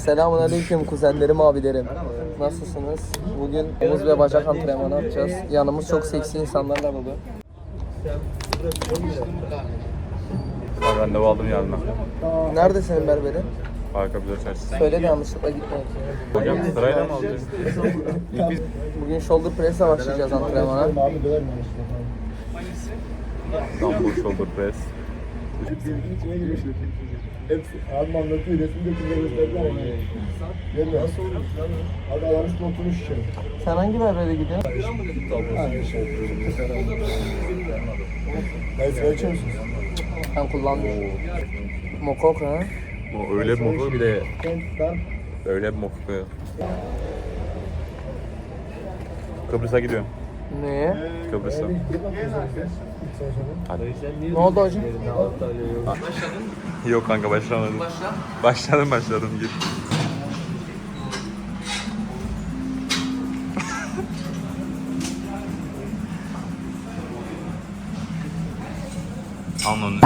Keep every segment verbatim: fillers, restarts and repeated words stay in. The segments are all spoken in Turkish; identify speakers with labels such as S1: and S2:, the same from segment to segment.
S1: Selamun aleyküm kuzenlerim, abilerim. Nasılsınız? Bugün omuz ve bacak antrenmanı yapacağız. Yanımız çok seksi insanlarla dolu.
S2: Ben randevu aldım yarına.
S1: Nerede senin berberin?
S2: Harika bir çarşısı.
S1: Söyle de yanlışlıkla gitme.
S2: Hocam sırayla mı alacağız?
S1: Bugün shoulder press'e başlayacağız antrenmana.
S2: Dumbbell shoulder press.
S3: Hepsi abim anlatıyor, resimde kimle gösterdiler ama gelmiyor. Nasıl olur? Abi adam üstüne oturmuş şey.
S1: Sen hangi berbere gidiyorsun?
S3: Aynı şey. Ben sigara içiyor musunuz?
S1: Ben kullanmıyorum. Mokok ha?
S2: O öyle bir mokuk bir de
S3: Ben
S2: öyle bir mokuk. Kıbrıs'a gidiyorum.
S1: Neye?
S2: Kıbrıs'a. Hadi.
S1: Ne oldu hocam?
S2: Yok kanka başlamadım.
S1: Başla.
S2: Başladım başladım git. Anladım.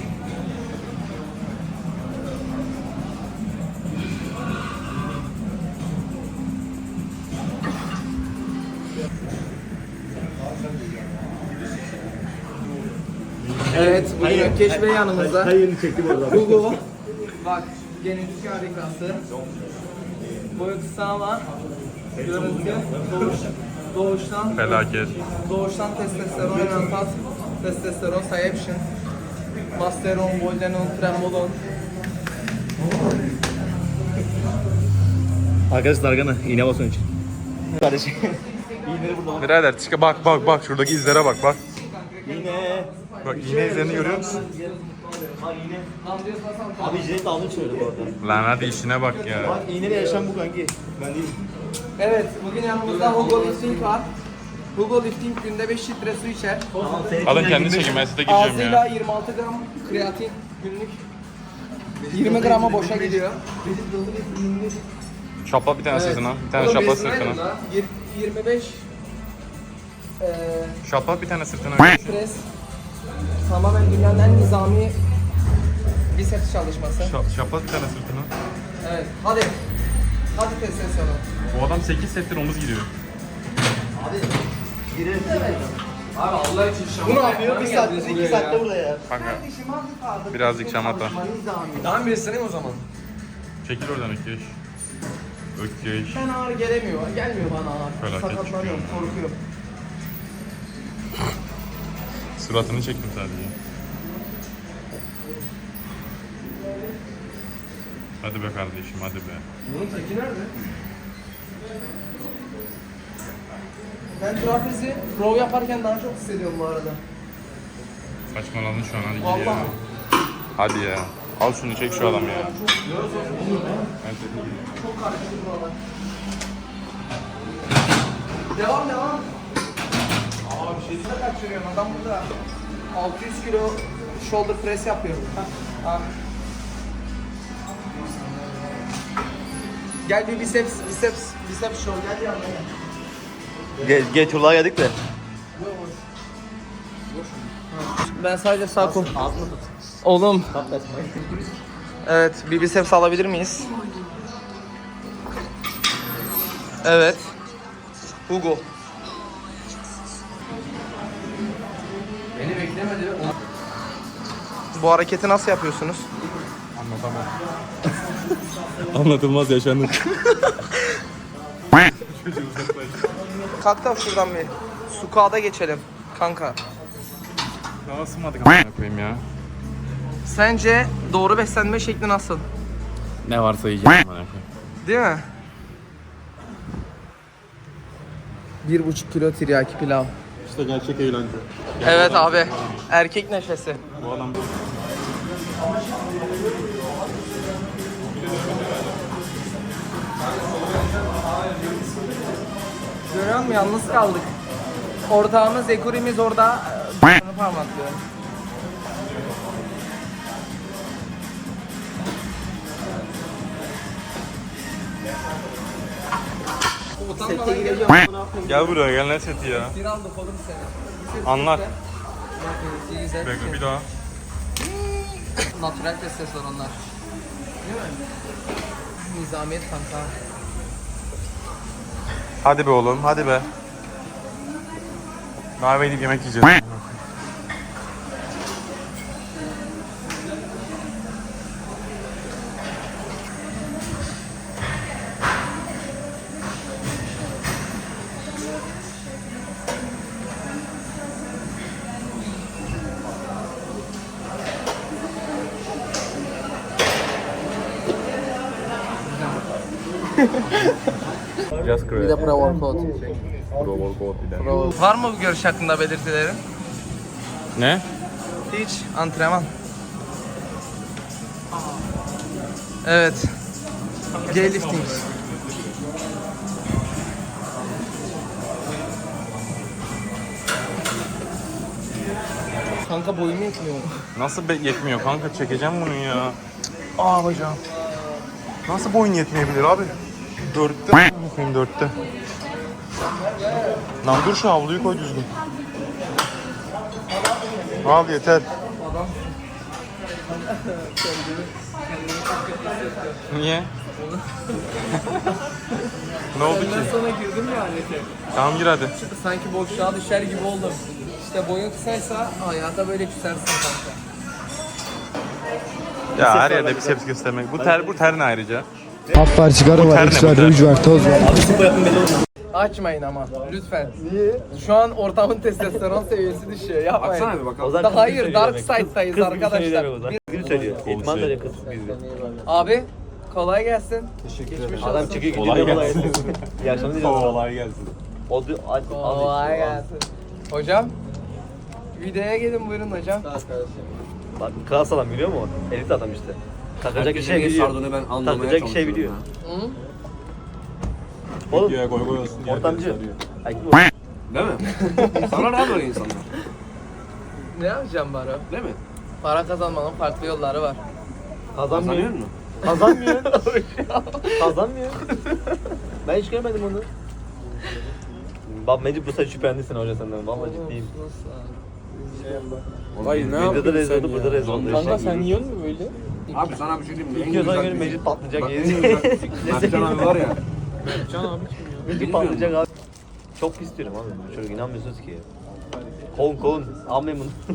S1: Evet, bugün Ökkeş Bey yanımızda.
S3: Hayırını çektim orada.
S1: Hugo. Bak, genetik harikası. Boyu kısa ama görüntü doğuş, doğuştan
S2: Felaket.
S1: doğuştan testosteron, enantat, testosteron, sayepşin, masteron, boldenon, trembolon.
S3: Arkadaşlar Dargan'a iğne basın için. Kardeşim.
S2: Birader çık bak bak bak şuradaki izlere bak bak.
S3: İğne.
S2: Bak iğne izlerini görüyor musun?
S3: Bak iğne. Abi jilet aldım şöyle bu arada.
S2: Lan hadi işine bak ya.
S3: Bak iğneyle yaşam bu kanki. Ben değil.
S1: Evet, bugün yanımızda Hugo Lifting var. Hugo Lifting günde beş litre su içer.
S2: Alın kendini çekin ben size gireceğim
S1: Ağzıyla
S2: ya.
S1: yirmi altı gram kreatin günlük. yirmi grama boşa gidiyor.
S2: Şapla bir tane sırtına. Bir tane şapla sırtına.
S1: Yir- yirmi beş eee
S2: Şapla bir tane sırtına.
S1: pres. Tamamen dünyanın en nizami biceps çalışması.
S2: Şa- Şapla bir tane sırtına.
S1: Evet, hadi. Hadi testosteron.
S2: Bu adam sekiz settir omuz gidiyor.
S1: Abi Allah için şamata.
S3: Bu ne yapıyor? Bir saatte, iki saatte burada ya.
S2: Kanka birazcık şamata.
S1: Daha bir ısınayım o zaman.
S2: Çekil oradan Ökkeş. Ökkeş.
S1: Ben ağrı gelemiyor, gelmiyor bana ağrı.
S2: Felaket
S1: Sakatlanıyorum, korkuyorum.
S2: Suratını çektim sadece. Hadi be kardeşim hadi be.
S1: Bunun teki nerede? Ben trapezi row yaparken daha çok hissediyorum bu arada.
S2: Saçmaladın şu an hadi gir ya.
S1: Vallahi.
S2: Hadi ya. Al şunu çek şu adamı ya. Evet.
S1: Çok karıştı buralar. Devam devam. Aa bir şey de kaçırıyorum. Adam burada altı yüz kilo shoulder press yapıyor. Ha. Ha. Gel bir biceps, biceps, biceps show. Gel yanına gel.
S3: Gel, geç ulağa geldik de.
S1: Ben sadece sağ kol.
S3: Ağzını tut.
S1: Oğlum.
S3: Kaplasın.
S1: Evet, bir biceps alabilir miyiz? Evet. Hugo. Beni beklemedi. Bu hareketi nasıl yapıyorsunuz?
S2: Anlatamam. Anlatılmaz yaşanır.
S1: Kalk da şuradan bir squat'a geçelim kanka.
S2: Daha ısınmadık amına koyayım ya.
S1: Sence doğru beslenme şekli nasıl?
S2: Ne varsa yiyeceğim amına koyayım.
S1: Değil mi? Bir buçuk kilo tiryaki pilav.
S3: İşte gerçek eğlence.
S1: Evet abi. Erkek neşesi.
S2: Bu adam
S1: Görüyor musun? Yalnız kaldık. Ortağımız, ekurimiz orada e, parmaklıyor. Utanmadan gel.
S2: gel buraya gel ne seti ya.
S1: Bir aldık oğlum seni.
S2: Anlat.
S1: İyi güzel.
S2: Bekle bir daha.
S1: Natural testosteronlar. Değil mi? Nizamiyet kanka.
S2: Hadi be oğlum, hadi be. Kahve edip yemek yiyeceğiz. Just
S1: Bir de pre-workout.
S2: Pro
S1: Var mı bu görüş hakkında belirtilerin?
S2: Ne?
S1: Hiç. Antrenman. Evet. G-lifting. Kanka boyum yetmiyor.
S2: Nasıl be- yetmiyor kanka, çekeceğim bunu ya.
S1: Aa hocam.
S2: Nasıl boyun yetmeyebilir abi? Dörtte. Bakayım dörtte. Lan dur şu havluyu koy düzgün. Al yeter. Niye? Ne oldu ki?
S1: Ben sana girdim ya alete.
S2: Tamam gir hadi.
S1: Sanki boşluğa düşer gibi oldum. İşte boyun kısaysa hayata böyle küsersin kanka.
S2: Ya her yerde biceps göstermek. Bu ter bu ter ne ayrıca?
S3: Hap var, sigara
S2: Bu
S3: var,
S2: ter ne,
S3: X
S2: bu
S3: var,
S2: ter?
S3: ruj var, toz var.
S1: Açmayın ama lütfen. Niye? Şu an ortamın testosteron seviyesi düşüyor. Yapmayın.
S4: Baksana bir bakalım.
S1: Daha hayır Dark Side'dayız arkadaşlar.
S4: Gün söylüyor. İdman da kız bizde.
S1: Abi kolay gelsin. Geçmiş
S4: Adam
S1: olsun.
S4: çıkıyor
S2: Kolay
S4: gidiyor.
S2: gelsin.
S4: İyi akşamlar diliyorum.
S2: Kolay gelsin.
S4: O da al
S1: Kolay gelsin. Hocam videoya gelin buyurun hocam.
S4: Bak klas adam biliyor musun? Elit adam işte. Takacak bir şey biliyor.
S5: Sardığını ben anlamaya
S4: Takacak bir şey
S5: çalışıyorum
S4: biliyor.
S5: ya.
S1: Hı?
S4: Oğlum
S2: Videoya koy koy olsun diye.
S4: ortamcı. Ay,
S5: Değil mi? Sana ne böyle insanlar?
S1: Ne yapacağım baro?
S5: Değil mi?
S1: Para kazanmanın farklı yolları var.
S4: Kazanmıyor.
S5: Kazanıyor musun?
S4: Kazanmıyor. Kazanmıyor. Ben hiç görmedim onu. Bak Mecid bu sefer şüphelendisin hoca senden. Vallahi ciddiyim.
S5: Vay
S4: Videoda da rezil oldu, burada rezil oldu.
S1: Kanka sen yiyor musun böyle?
S5: Abi sana bir şey diyeyim mi?
S4: İlk gözden göre Mecid patlayacak
S5: Bak en
S4: yeri.
S5: güzel. Mertcan abi var ya.
S1: Can abi kim
S4: Mecid patlayacak abi. Çok pis diyorum abi. Bu çocuk inanmıyorsunuz ki. Kovun kovun. Almayın bunu.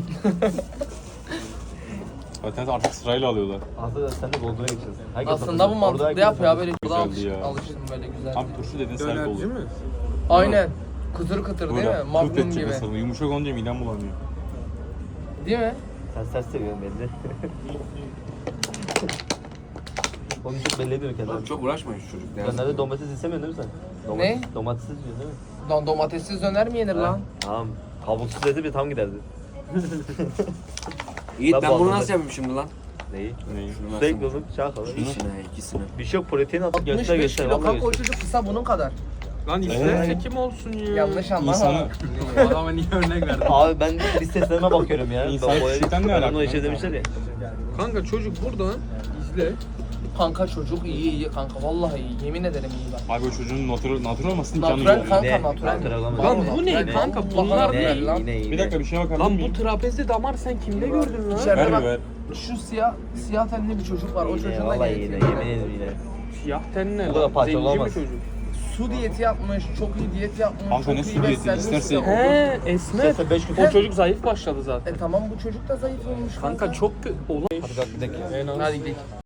S2: Zaten artık sırayla alıyorlar.
S4: Aslında sen de Golden'a geçeceğiz. Herkes
S1: Aslında bu
S4: Orada
S1: mantıklı
S4: herkes
S1: yapıyor ya
S4: atıyor.
S1: böyle burada
S2: Güzeldi
S1: alış,
S2: ya.
S1: alıştım böyle güzel.
S2: Tam turşu dedin sert olur.
S1: Aynen. Kıtır kıtır değil mi?
S2: Böyle
S1: Magnum
S2: kurt edecek
S1: gibi.
S2: mesela. Yumuşak olunca midem bulanıyor.
S1: Değil mi?
S4: Sen sert seviyorsun belli. Onu çok belli ediyor kendini.
S5: Oğlum çok uğraşmayın şu çocuk.
S4: Ya nerede domates istemiyorsun değil mi sen? Domates,
S1: Ne?
S4: Domates istiyorsun değil mi?
S1: Don domatessiz döner mi yenir lan?
S4: Tamam. Kabuksuz dedi bir tam giderdi.
S5: Yiğit
S4: Ben
S5: ben bunu
S4: boğazladım.
S5: nasıl yapayım şimdi lan?
S4: Neyi?
S2: Neyi?
S4: Sürekli oğlum şaka.
S5: İkisine, ikisine.
S4: Bir şey yok protein at.
S1: altmış
S4: Göster
S1: beş
S4: göster.
S1: kilo
S4: Vallahi
S1: kanka o
S4: göster.
S1: çocuk kısa bunun kadar.
S6: Lan işte çekim olsun ya.
S1: Yanlış anlama.
S2: İnsanı,
S6: Adama niye örnek verdin?
S4: Abi ben listesine bakıyorum ya.
S2: İnsan
S4: Ben boya-
S2: küçükten ne
S4: ben
S2: alaka
S4: onu içe
S2: kanka?
S4: demişler ya.
S6: Kanka çocuk buradan izle.
S1: Kanka çocuk iyi iyi kanka vallahi iyi yemin ederim iyi bak.
S2: abi o çocuğun natural, natural olmasın canı
S1: Natural
S2: yok.
S1: kanka
S4: Ne?
S1: natural.
S4: Natural ama.
S6: Lan
S1: Vallahi
S6: bu ne
S1: natural.
S6: kanka?
S1: Allah
S6: Bunlar
S1: Allah
S4: Ne?
S1: lan.
S4: Yine
S2: Bir
S4: yine.
S2: dakika bir şeye bakabilir
S6: Lan bu
S2: miyim?
S6: trapezli damar sen kimde gördün lan?
S1: İçeride
S2: Ver
S1: bak
S2: ver.
S1: şu siyah siyah tenli bir çocuk var o
S4: Yine
S1: çocuğun da
S4: vallahi
S1: genetiği.
S4: yine yemin ederim yine.
S6: Siyah ten ne
S4: Bu kadar
S6: lan?
S4: parça
S6: Zenci
S4: olamaz.
S6: mi çocuk?
S1: Su diyeti yapmış, çok iyi diyet yapmış,
S2: Kanka
S1: çok
S2: ne
S1: iyi
S2: su diyeti?
S1: beslenmiş.
S2: İsterse-
S1: de o-
S6: He esmer.
S4: Sen beş gün
S6: O çocuk zayıf başladı zaten.
S1: E tamam bu çocuk da zayıf olmuş kanka.
S6: Kanka çok kötü. Oğlum.
S4: Hadi kalk gidelim.
S6: En az.
S1: Hadi gidelim.